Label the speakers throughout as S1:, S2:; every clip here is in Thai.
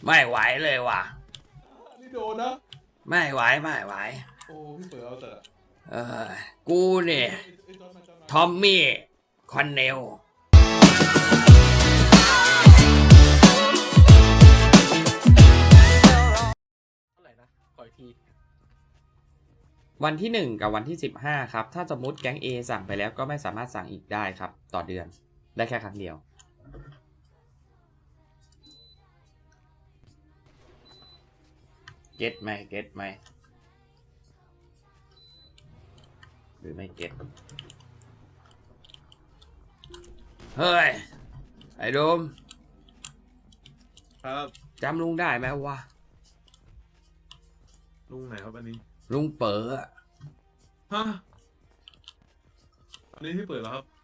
S1: ไม่ไหวเลยว่ะ
S2: นี่โดนนะ
S1: ไม่ไหว
S2: โอ้พี่เปิดเอาแต่
S1: กูเนี่ยทอมมี่คอนเนลวันที่1กับวันที่15ครับถ้าสมมติแก๊ง A สั่งไปแล้วก็ไม่สามารถสั่งอีกได้ครับต่อเดือนได้แค่ครั้งเดียวเก็ตไหมหรือไม่เก็ตเฮ้ยไอ้โดม
S2: ครับ
S1: จำลุงได้ไหมวะ
S2: ลุงไหนครับอันนี้
S1: ลุงเป๋อ
S2: ฮะอันนี้พี่เปิดแล้วครับ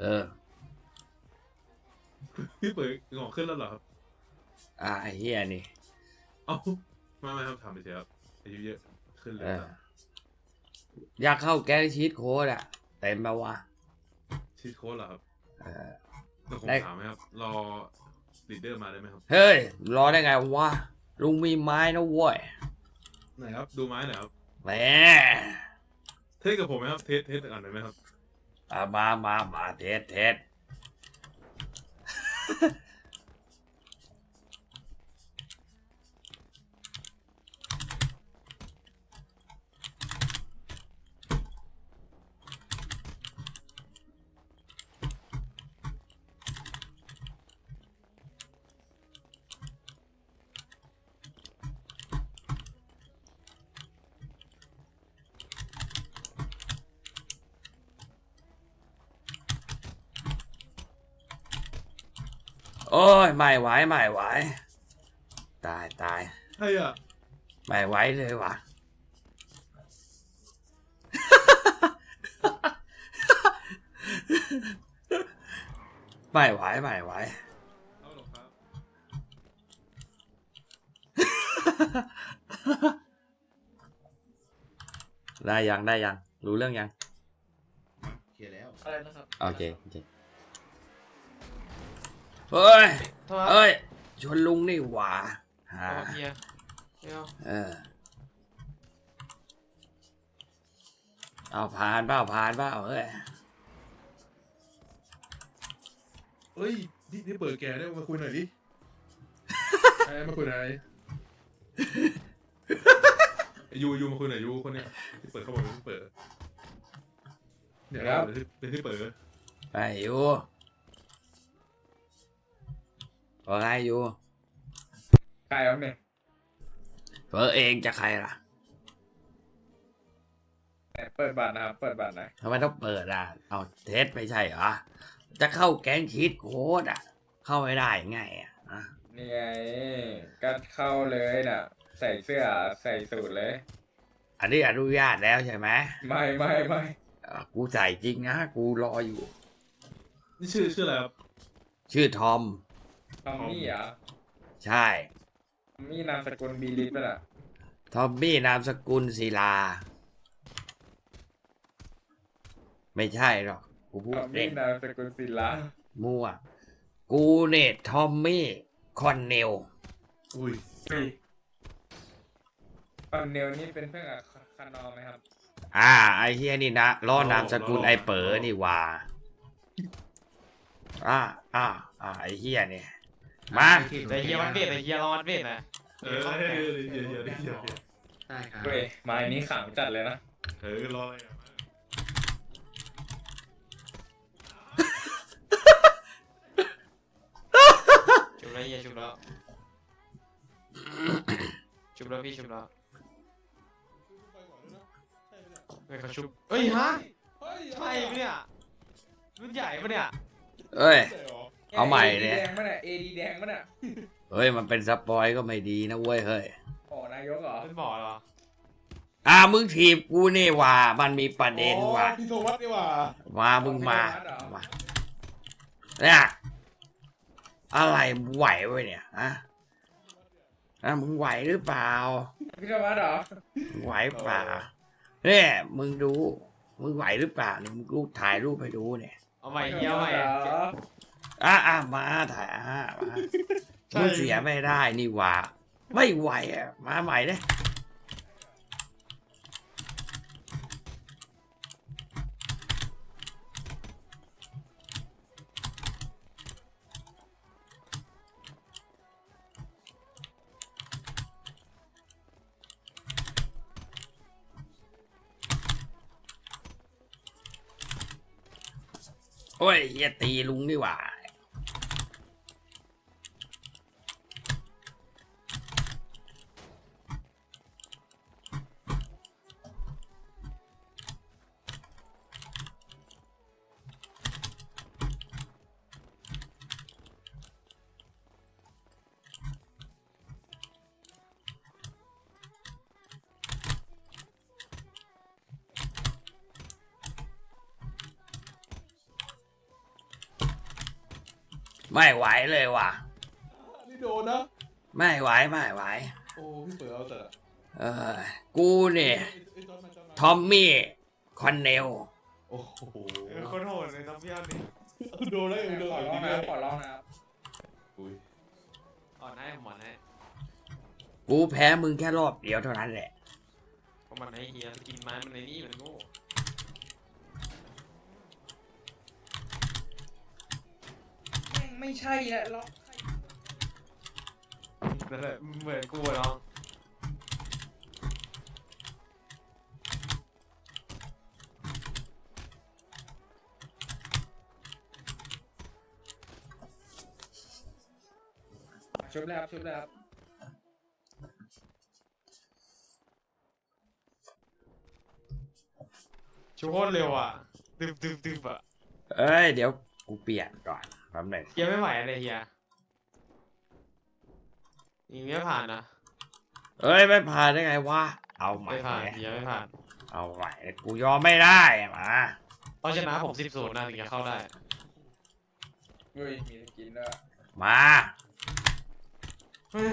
S2: พี่เปิดงอกขึ้นแล้วเหรอครับ
S1: ไอ้เฮียนี่
S2: เอ้าไม่ครับถามไปเฉยครับอายุเยอะขึ้นเลย
S1: อยากเข้าแก๊งชีทโค้ดอะเต็มไปวะ
S2: ชีทโค้ดเหรอครับแต่ผมถามไหมครับรอลีดเดอร์มาได้ไหมครับ
S1: เฮ้ยรอได้ไงวะลุงมีไม้นะเว้ย
S2: ไหนครับดูไม้หน่อยครับ
S1: แหม
S2: เทสกับผมไหมครับเทสอ่านได้ไหมครับ
S1: มาเทสโอ้ยไม่ไหวตาย
S2: ใช่อ่ะ
S1: ไม่ไหวเลยวะไม่ไหว
S2: เอาหรอครับ
S1: ได้ยังรู้เรื่องยัง
S2: เคลียร์แล้วอะไรนะครับ
S1: โอเคเฮ้ยชวนลุงนี่หว่าเอาผ่านเปล่าเ
S2: ฮ้ยนี่เปิดแกได้มาคุยหน่อยดิมาคุยหน่อยยูมาคุยหน่อยยูคนเนี้ยที่เปิดเขาบอกที่เปิดเดี๋ยวเป็นที่เปิด
S1: ไปยูว่าไงยู
S2: ใครครับเนี่ย
S1: เปิดเองจะใครล่ะ
S2: เปิดบัตรนะครับเปิดบัตรนะ
S1: ทำไมต้องเปิดอ่ะเอาเทสไม่ใช่เหรอจะเข้าแก๊งชีทโค้ดอ่ะเข้าไม่ได้ไงอ่ะ
S2: นี่ไงก็เข้าเลยน่ะใส่เสื้อใส่สูทเลย
S1: อันนี้อนุญาตแล้วใช่ไหม
S2: ไม่
S1: กูใส่จริงนะกูรออยู่
S2: นี่ชื่ออะไรครับ
S1: ชื่อทอม
S2: มี่เหรอ
S1: ใช่
S2: ทอมมี่นามสกุลบีลิสป่ะล่ะ
S1: ทอมมี่นามสกุลศิลาไม่ใช่หรอกกูพูดเอง
S2: นามสกุลศิลา
S1: มั่วกูเนี่ยทอมมี่คอนเนล
S2: อุ้ยคอนเนลนี่เป็นเพื่อนกับคานอไหมครับ
S1: ไอเฮียนี่นะล้อนามสกุลไอเป๋อนี่ว่าไอเฮียเนี่ยมา
S3: ไอเฮียมันเบ็ดไอเฮียรอมันเบ็ดนะ
S2: เฮียได้ครับเว้ยไม้นี้ขังจัดเลยนะรออะไรอ่ะ
S3: ชุบแล้วเฮียชุบแล้วพี่ชุบแล้วไม่เขาชุบเอ้ยฮะใช่ปะเนี่ยรุ่นใหญ่ปะเนี่ย
S1: เอ้ยเอาใหม่เนี่ย
S2: แดงปะเนี่ย AD แดงปะเนี่ย
S1: เฮ้ยมันเป็นสปอยก็ไม่ดีนะเว้ยเฮ้ย
S2: นายกเหรอ
S3: เป็นบ่อเหร
S1: อมึงถีบกูนี่ว่ามันมีประเด็นว่ะ
S2: พี่โทมัสนี่ว่า
S1: มึงมาเนี่ยอะไรไหวไว้เนี่ยมึงไหวหรือเปล่า
S2: พี่โทมัสเหรอ
S1: ไหวเปล่าเนี่ยมึงดูมึงไหวหรือเปล่าเนี่ยมึงรูปถ่ายรูปให้ดูเนี่ย
S3: เอาใหม่เฮียเอาใหม่
S1: มาถ่ายมึงเสียไม่ได้นี่ว่าไม่ไหวอ่ะมาใหม่เลยโอ้ยเฮียตีลุงนี่หว่าไม่ไหวเลยว่ะ
S2: นี่โดนนะ
S1: ไม่ไหวไม่ไหว
S2: โอ้พี่เปิดเอาแต่
S1: เออกูเนี่ย
S2: ไอ้จอนมาจอนมา
S1: ทอมมี่คอนเนล
S2: โอ้โห
S3: คนโหดเลยน้องพี่อันนี้
S2: โดนแล้วโดน
S4: ขอร้องนะครับขอร้องนะครับ
S2: อุ้ย
S3: อ่อนให้หมอนให้
S1: กูแพ้มึงแค่รอบเดียวเท่านั้นแหละ
S3: เพราะมันให้เฮียกินไม้มันในนี่มันโง่
S4: แม่งไม่ใช่แหละล็อก
S3: นั่นแหละเหมือนกูอะน้อง
S4: ชุบแล้วครับชุบแล้วครับ
S3: ชูโคตรเร็วอ่ะดึบอ่ะ
S1: เอ้ยเดี๋ยวกูเปลี่ยนก่อนแป๊บหนึง
S3: เฮียไม่ไหวเลยเฮียยิงไม่ผ่านนะ
S1: เอ้ยไม่ผ่านได้ไงวะเอาใหม่
S3: ไม่ผ่านเฮียไม่ผ่าน
S1: เอาใหม่กูยอมไม่ได้มา
S3: ต้องชนะผม10-0นะถึงจะเข้าได้
S4: เฮ้ยมีสกินด้วย
S1: มา
S3: เฮ้ย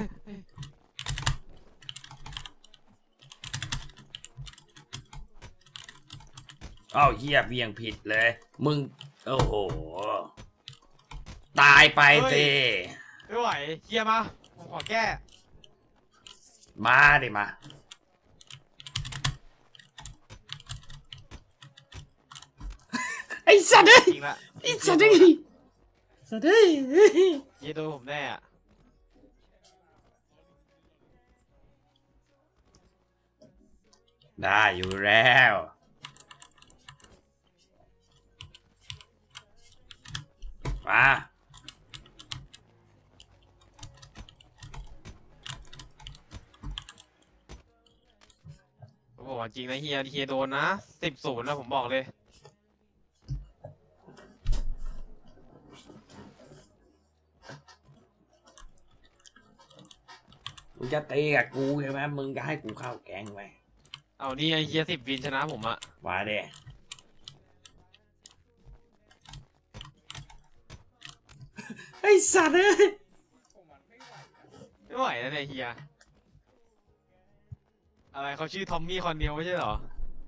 S1: เอ้าเฮียเบี่ยงผิดเลย มึงโอ้โหตายไปสิ
S3: ไม่ไหวเฮียมาผมขอแก้
S1: มาดิมาไอ้สัตว์เอ้ย
S3: จริงละ
S1: ไอ้สัตว์เอ้ยสัตว์เอ้ย
S3: เฮียโดนผมแน่อะ
S1: ได้อยู่แล้วมา
S3: ผมบอกว่าจริงนะเฮียโดนนะ10-0นะผมบอกเลย
S1: มึงจะตีกับกูใช่ไหมมึงจะให้กูเข้าแก๊งไหม
S3: เอานี่ไอเฮีย10 วินชนะผมอะ
S1: มาเด้ไอ้สัตว์เอ้ย
S4: โอ้มันไม่ไหวนะ
S3: ไม่ไหวแล้วเนี่ยเฮียอะไรเขาชื่อทอมมี่คอนเนลไม่ใช่เหรอ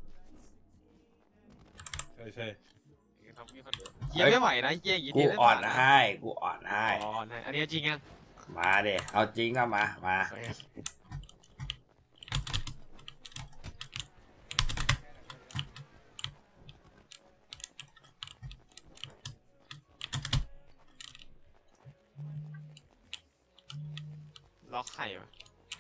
S2: ใช่ใช่
S3: ทอมมี่คอนเนลเฮียไม่ไหวนะเฮียอย่างงี้
S1: กู
S3: เฮียไม่
S1: อ่อ
S3: ผ่าน นนะ
S1: ให้กูอ่อนให้
S3: อ๋ออันนี้จริงยัง
S1: มาเด้เอาจริงก็มา
S3: ล็อกไข่ปะ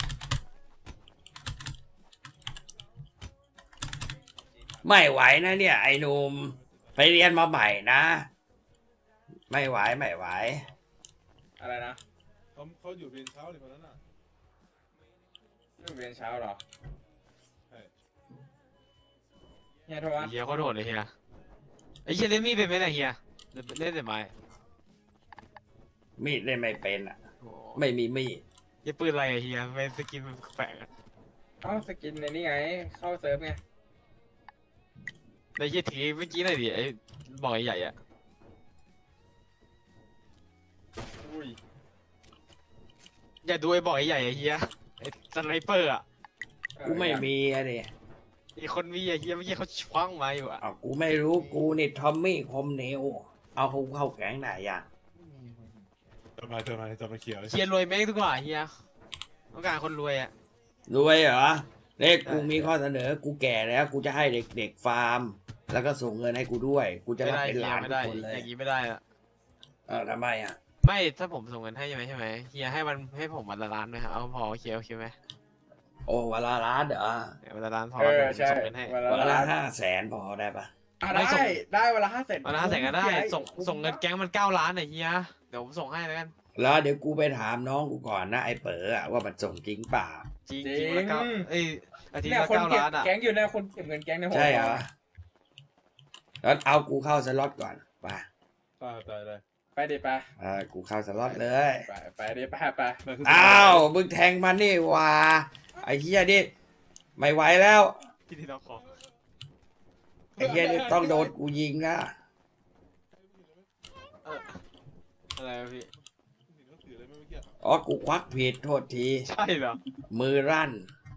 S1: ไม่ไหวนะเนี่ยไอ้หนุ่มไปเรียนมาใหม่นะ ไม่ไหวไม่ไหว
S4: อะไรนะ
S2: เขาอยู่เรียนเช้าเลยคนนั้นน่ะ
S4: ลูกเรียนเช้าเหรอ
S2: ใช่
S4: เฮียโทรวะ
S3: เฮียเขาโดดเลยเฮียไอเฮียเล่นมีดเป็นไหมเนี่ยเฮียเล่นแต่ไม้
S1: มีดเล่นไม่เป็นอ่ะ
S3: โอ้
S1: ไม่มีมีด
S3: เฮียปืนอะไรอะเฮียเป็นสกินมันแปลกอะ
S4: เอ้าสกินในนี่ไง เข้าเซิร์ฟไง
S3: ในเฮียถือเมื่อกี้หน่อยดิไอ้บอกใหญ่ๆอะ
S4: อุ้ย
S3: อย่าดูไอ้บอกใหญ่ๆอะเฮียไอ้สไนเปอร์อะ
S1: กูไม่มีอะเด้
S3: อีกคนมีอะเฮียเมื่อกี้เขาคว้างมาอยู่อะ
S1: เอากูไม่รู้กูนี่ทอมมี่คมเนวเอากูเข้าแก๊งไหนอ่ะ
S2: จะมาเขียวเลย
S3: เฮียรวยแม่งดีกว่าเฮียต้องการคนรวยอ่ะ
S1: รวยเหรอเนี่ยกูมีข้อเสนอ กูแก่แล้ว กูจะให้เด็กๆฟาร์ม แล้วก็ส่งเงินให้กูด้วย กูจะ
S3: ไม่
S1: รับ
S3: ได้
S1: เป็น
S3: เฮี
S1: ห
S3: ย
S1: ลาน
S3: ไม่
S1: ทุก
S3: ได้
S1: คนเลย
S3: อย่างนี้ไม่ได้อะ
S1: ทำไมอ่ะ
S3: ไม่ถ้าผมส่งเงินให้ใช่ไหมเฮียให้มันให้ผมวันละล้านไหมครับเอาพอโอเคไหม
S1: โอ้วันละล้านเหรอ
S3: วันละล้านพอ
S4: เออ
S3: เดี๋ยวผม
S4: ใช่
S3: ส่งเงินให้
S4: วัน
S1: วัน
S4: ละ
S1: ละ
S4: ล้าน
S1: 500,000พอได้ปะ
S3: ไม่ส่ง
S4: ได้วันละ500,000
S3: วันละ500,000ก็ได้ส่งเงินแก๊งมัน9 ล้านไอ้เฮียเดี๋ยวผมส่งให้แล้วกัน
S1: แล้วเดี๋ยวกูไปถามน้องกูก่อนนะไอ้เป๋ออะว่ามันส่งจริงเปล่า
S3: จริงจริงวันละ9อาทิตย์
S4: เนี่ย
S3: ละ
S4: คนเก็บ
S3: 9 ล้านอ่ะ
S4: แก๊งอยู่เนี่ยคนเก็บเงินแก๊งในหัว
S1: ใช่เหรอแล้วเอากูเข้าสล็อตก่อนไป
S2: ได้
S4: ไปดิไป
S1: กูเข้าสล็อตเลย
S4: ไปดิไปไป
S1: อ้าวมึงแทงมันนี่หว่าไอ้เหี้ยนี่ไม่ไหวแล้ว
S3: ที่ที่เราขอ
S1: ไอ้เหี้ยนี่ต้องโดนกูยิงนะ
S3: อะไรวะพี่
S1: อ๋อกูควักผิดโทษที
S3: ใช่เหรอ
S1: มือรั่น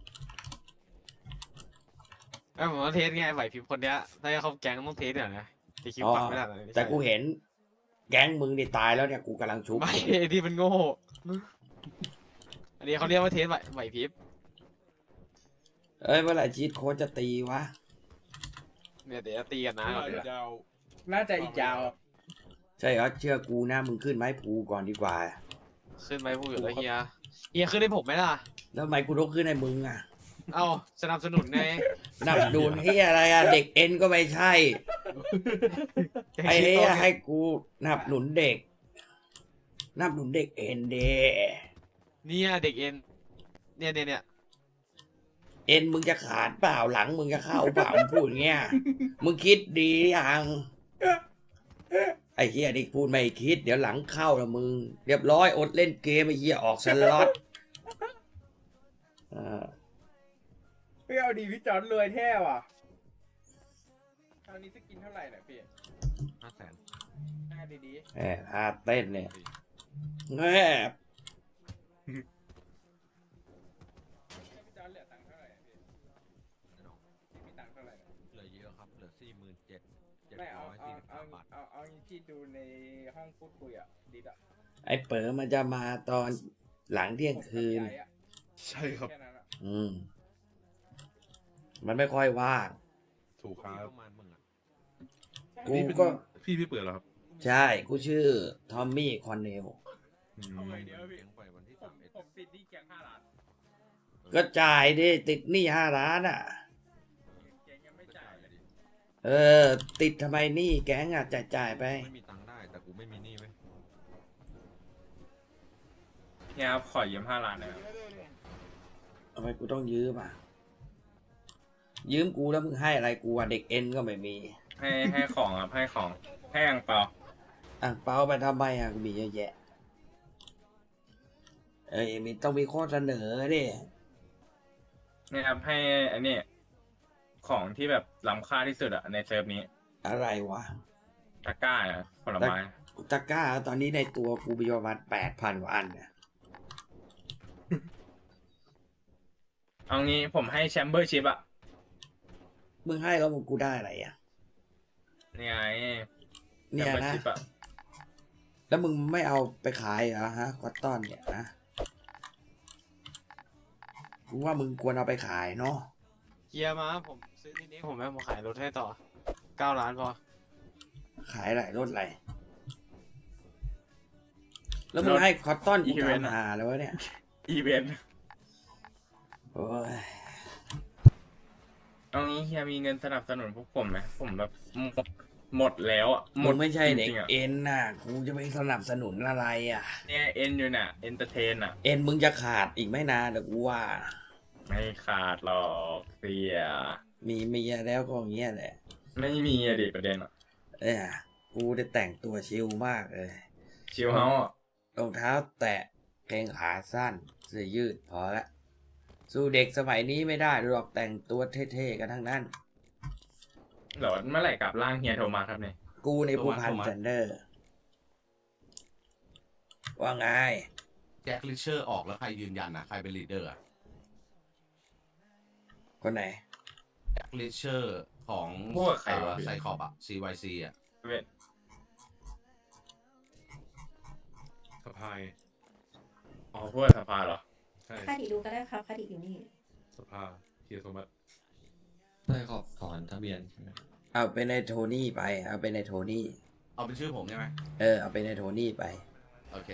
S3: ไอ้ผมต้องเทสไงไหวพริบคนเนี้ยถ้าจะเข้าแก๊งต้องเทสหน่อยนะตีคิว
S1: อ๋อ
S3: ปังไม่ได้เลย
S1: แต่กูเห็น แก๊งมึงนี่ตายแล้วเนี่ยกูกำลังชุบ
S3: ไม่ไอ้ที่มันโง่อันนี้เขาเรียกว่าเทสไหวพริบ
S1: เอ้ยเมื่อไหร่ชีตโค้ชจะตีวะ
S3: เนี่ยเดี๋ยวจะตีกันนะ
S4: น่าจะอีกยาว
S1: ใช่เหรอเชื่อกูนะมึงขึ้นไม้ภูก่อนดีกว่า
S3: ขึ้นไปพูดอยู่แล้วเฮียขึ้นให้ผมไหมล่ะ
S1: แล้วทำไมกูต้องขึ้นให้มึงอ่ะ
S3: เอาสนับสนุนไง
S1: นับดูนเฮียอะไรอ่ะเด็กเอ็นก็ไม่ใช่ ไอ้เฮียให้กูนับหนุนเด็ก นับหนุนเด็กเอ็นเด
S3: เนี่ยเด็กเอ็นเนี่ย
S1: เอ็นมึงจะขาดเปล่าหลังมึงจะเข้าเปล่ามึงพูดอย่างเงี้ยมึงคิดดียังไอ้เฮียนี่พูดไม่คิดเดี๋ยวหลังเข้าละมึง เรียบร้อยอดเล่นเกมไอ้เฮียออกสล็อต
S4: พี่เอาดีพี่จอนรวยแท้ว่ะคราวนี้จะกินเท่าไหร่เนี่ยพี่
S3: 500,000
S4: หน้าดี
S1: แหมท่าเต้นเนี่ยแหม
S4: ๆพี่จอนเหลือตังค์เท่าไหร่อะพี่มีตังค์เท่าไหร่เนี่ย
S5: เหลือเยอะครับ เหลือ47,743
S4: ไม่เอา
S5: บาท
S4: ที่ดูในห้องพูดคุยอ่ะดิดอ่ะ
S1: ไอ้เป๋อมันจะมาตอนหลังเที่ยงคืน
S4: ผมกับยายอะ
S2: ใช่ครับ
S4: แค่นั้นอะ
S1: มันไม่ค่อยว่าง
S2: ถูกครับ
S5: ประมาณมึงอ่ะ
S1: กู
S2: นี่เป็น
S1: ก็
S2: พี่เปิดเหรอครับ
S1: ใช่ กูชื่อทอมมี่คอนเนล
S4: เอาไงเดี๋ยวพี่
S5: เลี้ยงไปวันที่
S4: ผมติดหนี้แก๊ง5 ล้าน
S1: ก็จ่ายดิติดหนี้5 ล้านอ่ะ
S4: แก๊งยังไม่จ่ายเลย
S1: เออ ติดทำไมหนี้แก๊งอ่ะจ่ายไป
S5: ไม่มีตังค์ได้ แต่กูไม่มีหนี้เว้ย
S4: เนี่ยครับขอยืม5 ล้านนะครับ
S1: ทำไมกูต้องยืมอ่ะ ยืมกูแล้วมึงให้อะไรกูอ่ะเด็กเอ็นก็ไม่มี
S4: ให้ของครับให้ของให้อังเปา
S1: อ่ะเปาไปทำไมอ่ะกูมีเยอะแยะ เอ้ยมีต้องมีข้อเสนอดิ
S4: เนี่ยครับให้อันนี้ของที่แบบล้ำค่าที่สุดอะในเซิร์ฟนี้
S1: อะไรวะ
S4: ตะกร้าอะผลไม้
S1: ตะกร้าตอนนี้ในตัวกูมีประมาณ8,000 กว่าอันเนี่ย
S4: เอางี้ผมให้แชมเบอร์ชิพอะ
S1: มึงให้แล้วมึงกูได้อะไรอ่ะ
S4: เนี่ยไงแช
S1: เนี่
S4: ม
S1: ย
S4: เบอร์
S1: นะ
S4: ชิพอะ
S1: แล้วมึงไม่เอาไปขายเหรอฮะคอตตอนเนี่ยนะกูว่ามึงควรเอาไปขายเนาะ
S3: เฮียมาผมซื้อที่นี้ผมแม่ผมขายรถให้ต่อ9 ล้านพอ
S1: ขายอะไรรถอะไร แล้วมึงให้คอตตอนกูทำหาแล้ววะเนี่ย
S4: อีเวนต์
S1: โอ้ย
S4: เอางี้เฮียมีเงินสนับสนุนพวกผมไหมผมแบบหมดแล้วอะหม
S1: มึ
S4: ด
S1: งไม่ใช่เด็ก
S4: จริงๆอะ
S1: เอ็นน่ะ กูจะไปสนับสนุนอะไรอ่ะ
S4: เนี่ยเอ็นอยู่น่ะเอนเตอร์เทนอะ
S1: เอ็นมึงจะขาดอีกไม่นานเดี๋ยวกูว่า
S4: ไม่ขาดหรอกเสีย
S1: มีเมียแล้วก็อย่างเงี้ยแหละ
S4: ไม่มีอะดิประเด็นอะ
S1: เอ้ยกูได้แต่งตัวชิลมากเลย
S4: ชิวเฮาส์อะ
S1: รองเท้าแตะกางเกงขาสั้นเสื้อยืดพอละสู้เด็กสมัยนี้ไม่ได้หรอกแต่งตัวเท่ๆกันทั้งนั้น
S4: เหรอเมื่อไหร่กลับร่างเฮียโทรมาครับเนี่ย
S1: กูในผู้พันซันเดอร์ ว่าไง
S5: แจ็คลิเชอร์ออกแล้วใครยืนยันอ่ะ ใครเป็นลีดเดอร์อ่ะ
S1: คนไหน
S5: แจ็คลิเชอร์ของ
S4: พวกใครวะ
S5: ไซคอบอ่ะ CYC อ่ะ
S4: เว้ย
S2: สะพาย
S4: อ๋อพวกสภาเหรอ
S2: ใช่
S6: คาดิดูก็ได้ครับคาดิอยู่นี่
S2: สภาเฮียโทมัส
S7: ได้ขอบถอนทะเบียนใช่ไหม
S1: เอาไปในโทนี่ไป เอาไปในโทนี่
S5: เอาเป็นชื่อผมใช่ไหม
S1: เอาไปในโทนี่ไป
S5: โอเค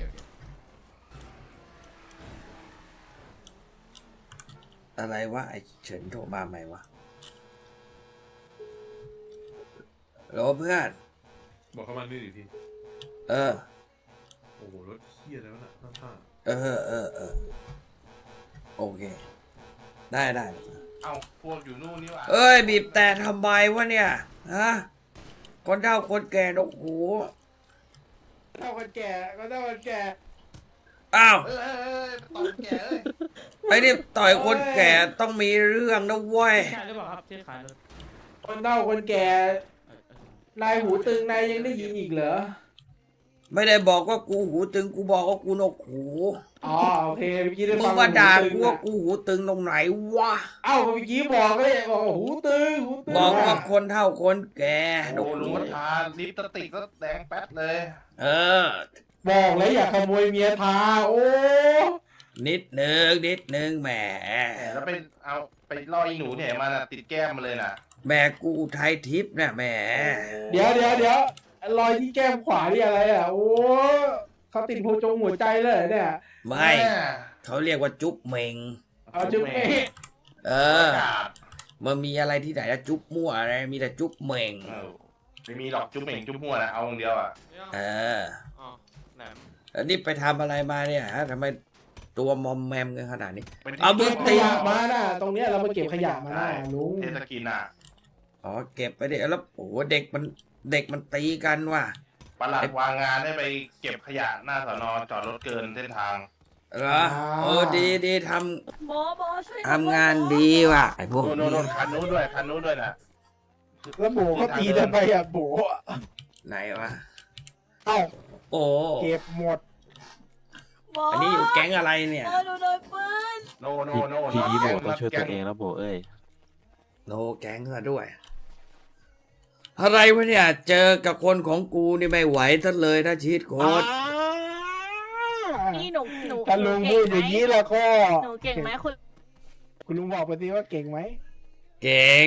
S1: อะไรวะไอเฉินโทรมาใหม่วะโหลเพื่อน
S2: บอกเข้ามานี่ดิพี่
S1: เออ
S2: โอ้โหรถเฮียแล้วนะข้าง
S1: เออ โอเค ได้
S8: เอาพวกอยู่นู่นนี่หว่า
S1: เอ้ย บีบแต่ทำไมวะเนี่ย ฮะ คนเฒ่าคนแก่นกหู
S4: เท่าคนแก่ก็เท่าคนแก่
S1: อ้าว
S8: เอ้ยตอนแก่เอ้ย
S1: ไอ้นี่ต่อยคนแก่ต้องมีเรื่องนะเว้ย
S3: ใช่หรือเปล่าครับที่ขายรถ
S4: คนเท่าคนแก่ นายหูตึงนายยังได้ยินอีกเหรอ
S1: ไม่ได้บอกว่ากูหูตึง กูบอกว่ากูนกหู
S4: อ๋อโอเคเมื่อกี้ได้
S1: มึ
S4: ฟั
S1: ง
S4: ง
S1: มาด่า
S4: หูตึ
S1: กู
S4: ง
S1: ว่า
S4: อะ
S1: กูหูตึงตรงไหนวะ
S4: เอ้าเมื่อกี้บอกเลยบอกว่าหูตึงหูตึง
S1: บอกว่าคนเฒ่าคนแก่น
S8: โอ้
S1: ก
S8: ลุ
S1: หู
S8: งก็ทาลิปสติกก็แดงแป๊ดเลย
S1: เออ
S4: บอกเลยอย่าขโมยเมียทาโอ้
S1: นิดนึงแหม
S8: แหมแล้วไปเอาไปล่ออีหนูเนี่ยมาน่ะติดแก้มมาเลยน่ะ
S1: แม่กูอุทัยทิพย์นะแหม
S4: เดี๋ยวรอยที่แก้มขวานี่อะไรอ่ะโอ้เขาติดหัวใจเลยเหรอเนี่ย
S1: ไม่
S8: แม่
S1: เขาเรียกว่าจุ๊บเมง
S4: เอาจุ๊บเมฆ
S1: เออ มันมีอะไรที่ไหนละจุ๊บมั่วอะไร มีแต่จุ๊บเมง
S8: เออไม่มีหรอกจุ๊บเหม่งจุ๊บมั่วนะเอาองเดียวอ่ะ
S1: เออ
S3: อ๋อแหลม
S1: แล้วนี่ไปทำอะไรมาเนี่ยฮะทำไมตัวมอมแมมกันขนาดนี้
S8: เป็น
S1: เอามื
S4: เก็
S1: อ
S4: บขยะมาน่ะตรงเนี้ยเรามาเก็บขยะมาน่ะลุง
S8: เทศกินอ่ะ
S1: อ๋อเก็บไปดิแล้วโอ้โหเด็กมันตีกันว่ะ
S8: ประหลัดวางงานให้ไปเก็บขยะหน้าสนจอดรถเกินเส้นทาง
S1: เหรอเออดีท
S6: โบช่วย
S1: ำทำงานดีว่ะไอ้พวก
S8: โน่นคันนู้นด้วยนะ
S4: แล้วโบเขาตีทำไมอ่ะโบ
S1: ไหนวะ
S4: เอ้า
S1: โอ้
S4: เก็บหมด
S6: โบ
S1: อันนี้อยู่แก๊งอะไรเนี่ย
S6: โบดูโดนปืน
S8: โน
S9: ทีนี้โบต้อง
S8: แก๊
S9: ช่วยตัวเองแล้วโบเอ้ย
S1: โนแก๊งซะด้วย อะไรวะเนี่ย เจอกับคนของกูนี่ไม่ไหวซะเลยนะชีตโคตร
S6: นี่หนู
S4: ถ้าลุงพูดอย่างนี้แล้วก็
S6: หนูเก่งไหมคุณ
S4: คุณลุงบอกไปสิว่าเก่งไหม
S1: เก่ง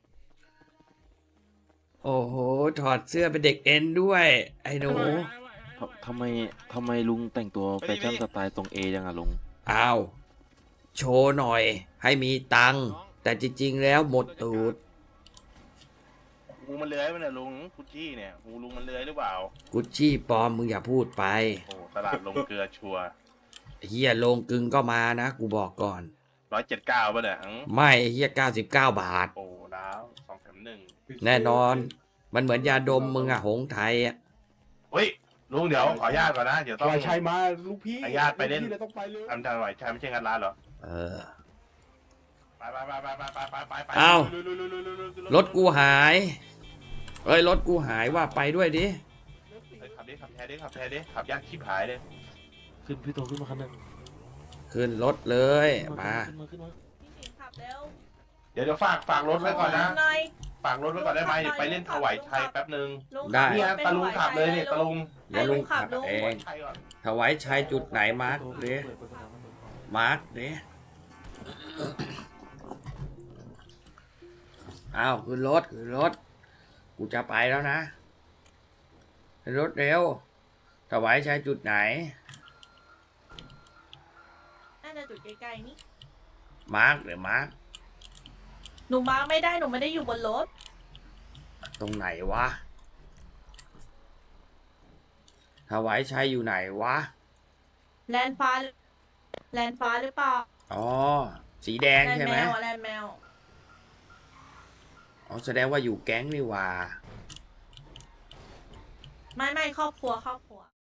S1: โอ้โห ถอดเสื้อเป็นเด็กเอ็นด้วย ไอ้หนู
S9: ทำไมลุงแต่งตัวแฟชั่นสไตล์ทรงเอยังอะลุง
S1: อ้าว โชว์หน่อย ให้มีตังค์ แต่จริงๆแล้วหมดตูด
S8: งูมันเลื้อยไปเนี่ยลุงกุชชี่เนี่ยงูลุงมันเลื้อยหรือเปล่า
S1: กุชชี่ปลอมมึงอย่าพูดไป
S8: โอ้ตลาดลงเกลือชัว
S1: เฮียโลงกึงก็มานะ กูบอกก่อน
S8: 179ป่ะเนี่ย
S1: ไม่เฮีย99 บาท
S8: โอ้ดาว2 แถม 1
S1: แน่นอน มันเหมือนยาดมมึงอะหงไทยอะ
S8: เฮ้ยลุงเดี๋ยวขออนุญาตก่อนนะเดี๋ยวต้อง
S4: ปล่อยชัยมาลูกพี่
S8: อนุญาตไปเล่น
S4: ลูกพี่ราต้องไปเลย
S8: ทำจานไหวชัยไม่ใช่งานร้านเหรอ
S1: เออ
S8: ไป
S1: เอ้า
S8: ลุย
S1: รถกูหาย เอ้ย รถกูหายว่าไปด้วยดิ
S8: ขับแท้ดิขับยากชิบหายเลย
S9: ขึ้นพี่โตขึ้นมาคันหนึง
S1: ขึ้นรถเลย มา
S9: ขึ้นมา
S6: พี่สิงขับเร็ว
S8: เดี๋ยวฝากรถไว้ก่อนนะ
S6: หน่อย
S8: ฝากรถไว้ก่อนได้ไหมเดี๋ยวไปเล่นถวายชัยแป๊บนึง
S6: ลุง
S1: ได้
S8: เนี่ยตะลุงขับเลยเนี่ยตะลุง
S1: เดี๋ยวลุงขับเอ
S8: ถวาย
S1: ง
S8: ชัยก่อน
S1: ถวายชัยจุดไหนมาร์กดิมาร์กดิอ้าวขึ้นรถ กูจะไปแล้วนะขึ้นรถเร็ว ถวายชัยจุดไหน
S6: น่าจะจุดใกล้ๆนี่
S1: มาร์กหรือมาร์ก
S6: หนูมาร์คไม่ได้หนูไม่ได้อยู่บนรถ
S1: ตรงไหนวะ ถวายชัยอยู่ไหนวะ
S6: แลนฟ้าหรือเปล่า
S1: อ๋อ สีแดง
S6: แลน
S1: ใช่
S6: แม
S1: ไหม
S6: วแลนแมว
S1: อ๋อ แสดงว่าอยู่แก๊งนี่หว่า
S6: ไม่ครอบครัว